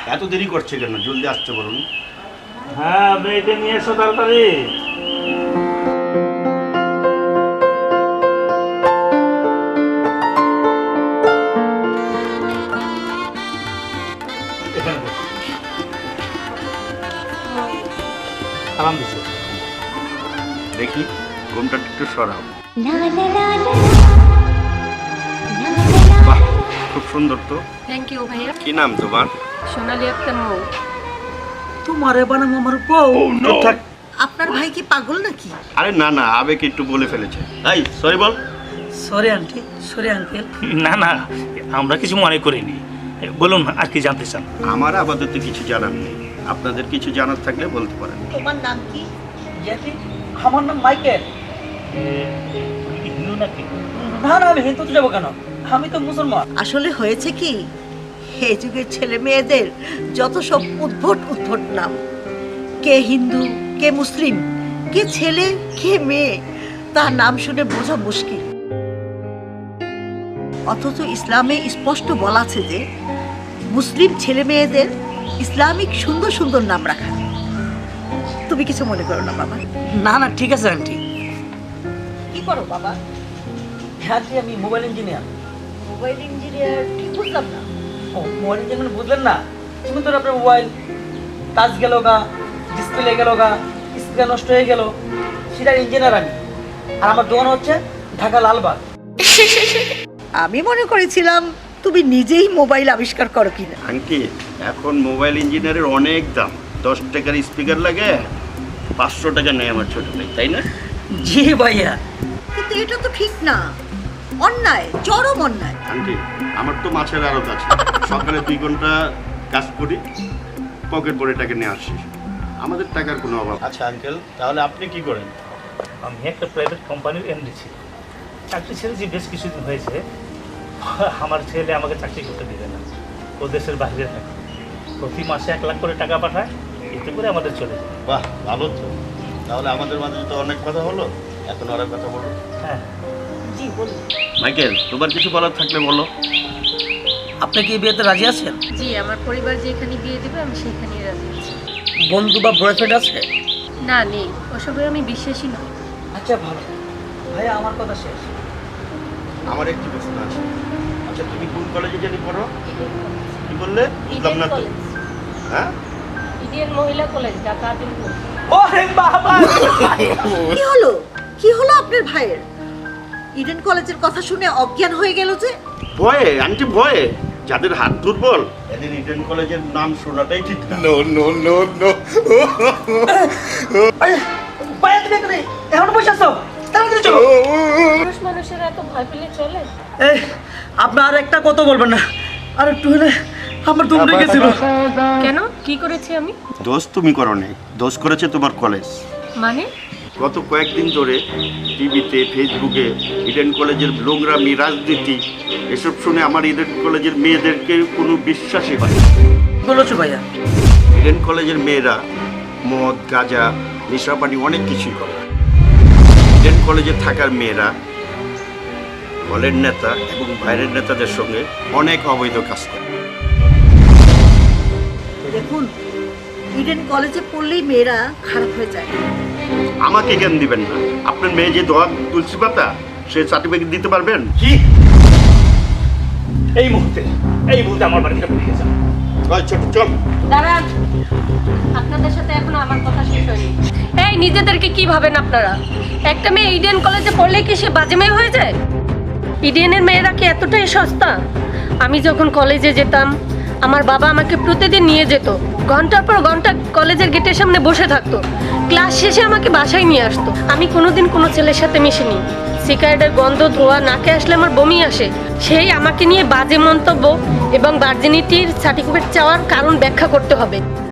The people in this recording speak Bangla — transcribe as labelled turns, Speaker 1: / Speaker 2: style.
Speaker 1: এত দেরি করছে কেন? জলদি আসতে বলুন।
Speaker 2: হ্যাঁ, মেয়েকে নিয়ে এসো তাড়াতাড়ি। এখানে বসো। সালাম দিচ্ছি।
Speaker 1: দেখি ঘুমটা একটু সরাও। বাহ, খুব সুন্দর তো।
Speaker 3: থ্যাংক ইউ ভাইয়া।
Speaker 1: কি নাম তোমার?
Speaker 3: সোনালি আক্তার মৌ।
Speaker 4: তোমারে বানাম আমার বউ।
Speaker 1: চুপ থাক।
Speaker 4: আপনার ভাই কি পাগল নাকি?
Speaker 1: আরে না না, আবেগ একটু বলে ফেলেছে। এই সরি বল।
Speaker 4: Sorry aunty, sorry uncle.
Speaker 2: না না, আমরা কিছু মনে করিনি। বলুন আর কি জানতে চান?
Speaker 1: আমার আপাতত কিছু জানার নেই, আপনাদের কিছু জানার থাকলে বলতে পারেন।
Speaker 4: তোমার নাম কি? জ্যাঠি, আমার নাম মাইকেল।
Speaker 2: হিন্দু নাকি?
Speaker 4: না না, আমি হিন্দুতে যাবো কেন? আমি তো মুসলমান। আসলে হয়েছে কি, এই যুগের ছেলে মেয়েদের যত সব উদ্ভট উদ্ভট নাম, কে হিন্দু কে মুসলিম, কে ছেলে কে মেয়ে, তার নাম শুনে বোঝা মুশকিল। অথচ ইসলামে স্পষ্ট বলা আছে যে মুসলিম ছেলে মেয়েদের ইসলামিক সুন্দর সুন্দর নাম রাখা। তুমি কিছু মনে করো না বাবা?
Speaker 5: না না, ঠিক আছে আন্টি।
Speaker 4: কি করো বাবা?
Speaker 5: হ্যাঁ, আমি মোবাইল ইঞ্জিনিয়ার।
Speaker 4: Mobile engineer? ঠিক বুঝলাম না।
Speaker 5: ও, মোবাইল ইঞ্জিনিয়ার বুঝলেন না? তুমি তো আপনার মোবাইল টাচ গেল গা, ডিসপ্লে গেল গা, স্ক্রিন নষ্ট হয়ে গেল, সেটার ইঞ্জিনিয়ার আমি। আর আমার দোকান হচ্ছে ঢাকা লালবাগ।
Speaker 4: আমি মনে করেছিলাম তুমি নিজেই মোবাইল আবিষ্কার করো কিনা।
Speaker 1: আন্টি, এখন মোবাইল ইঞ্জিনিয়ারের অনেক দাম। 10 টাকার স্পিকার লাগে 500 টাকা নেয় আমার ছোট ভাই, তাই না?
Speaker 5: জি ভাইয়া।
Speaker 4: কিন্তু এটা তো ঠিক না, অন্যায়, চরম অন্যায়।
Speaker 1: আন্টি, আমার তো মাছের আড়ত আছে, সকালে 2 ঘন্টা কাজ করি, পকেট ভরে টাকা নিয়ে আসি, আমাদের টাকার কোনো অভাব। আচ্ছা আঙ্কেল, তাহলে আপনি কি করেন?
Speaker 2: আমি একটা প্রাইভেট কোম্পানির এমডি ছিল। চাকরি ছেড়েছি বেশ কিছুদিন হয়েছে। আমার ছেলে আমাকে চাকরি করতে দিবে না, ও দেশের বাইরে থাকে। প্রতি মাসে 1 লাখ করে টাকা পাঠায়, এতে করে আমাদের চলে যায়।
Speaker 1: বাহ, ভালো তো। তাহলে আমাদের মাঝে তো অনেক কথা হলো, এখন আর কথা বলো।
Speaker 2: হ্যাঁ,
Speaker 4: জি বলুন।
Speaker 1: মাইকেল, তোমার কিছু বলার থাকলে বলো।
Speaker 5: আপনি কি বিয়েতে রাজি আছেন?
Speaker 3: জি, আমার পরিবার যেখানে বিয়ে দেবে আমি সেখানেই রাজি আছি।
Speaker 5: বন্ধু বা বয়ফ্রেন্ড আছে?
Speaker 3: না, নেই, ওসবে আমি বিশ্বাসী নই।
Speaker 5: আচ্ছা ভালো। ভাইয়া, আমার কথা শেষ।
Speaker 1: আমার একটি প্রশ্ন আছে। আচ্ছা, তুমি কোন কলেজে জানি পড়ো? কি বললে? বুঝলাম না তো। হ্যাঁ,
Speaker 3: ইডিএন মহিলা কলেজ, ঢাকা আজিমপুর।
Speaker 5: ওরে বাবা!
Speaker 4: কি হলো, কি হলো আপনার ভাইয়ের? ইডেন কলেজের কথা শুনে অজ্ঞান হয়ে গেল যে?
Speaker 1: ভয়ে আন্টি, ভয়ে। যাদের হাত দুর্বল এদের ইডেন কলেজের নাম শোনাটাই ঠিক না। No no no no.
Speaker 5: ভাইয়া, তুমি এখানে এখন বসে আছো? তাড়াতাড়ি চলো।
Speaker 3: পুরুষ মানুষের এত ভয় পেলে চলে?
Speaker 5: এই, আপনি আর একটা কথা বলবেন না। আর একটু হলে আমার দম লেগেছিল।
Speaker 3: কেন, কি করেছি আমি?
Speaker 1: দোষ তুমি করো নাই, দোষ করেছে তোমার কলেজ।
Speaker 3: মানে?
Speaker 1: গত কয়েকদিন ধরে টিভিতে ফেসবুকে ইডেন কলেজের নোংরামি, রাজনীতি এসব শুনে আমার ইডেন কলেজের মেয়েদেরকে কোনো বিশ্বাসই হয় না।
Speaker 5: বলেছো ভাইয়া?
Speaker 1: ইডেন কলেজের মেয়েরা মদ, গাঁজা, নেশাপানি অনেক কিছুই করে। ইডেন কলেজে থাকার মেয়েরা দলের নেতা এবং বাইরের নেতাদের সঙ্গে অনেক অবৈধ কাজ করে।
Speaker 4: দেখুন, ইডেন কলেজে পড়লেই মেয়েরা খারাপ হয়ে যায়।
Speaker 1: আমাকে জ্ঞান দিবেন না। আপনার মেয়ে যে দোয়া তুলসী পাতা, সে সার্টিফিকেট দিতে পারবেন?
Speaker 2: কি এই মুহূর্তে আমার বাড়িতে বেরিয়ে যান।
Speaker 1: ছোট চল।
Speaker 3: দাঁড়ান, আপনাদের সাথে এখনো আমার কথা শেষ হয়নি। এই, নিজেদেরকে কি ভাবেন আপনারা? একটা মেয়ে ইডেন কলেজে পড়লে কি সে বাজে মেয়ে হয়ে যায়? ইডেনের মেয়েরা কি এতটাই সস্তা? আমি যখন কলেজে যেতাম, আমার বাবা আমাকে প্রতিদিন নিয়ে যেত, ঘন্টার পর ঘন্টা কলেজের গেটের সামনে বসে থাকতো, ক্লাস শেষে আমাকে বাসায় নিয়ে আসতো। আমি কোনোদিন কোনো ছেলের সাথে মিশিনি। সিগারেটের গন্ধ, ধোয়া নাকে আসলে আমার বমি আসে। সেই আমাকে নিয়ে বাজে মন্তব্য এবং ভার্জিনিটির সার্টিফিকেট চাওয়ার কারণ ব্যাখ্যা করতে হবে।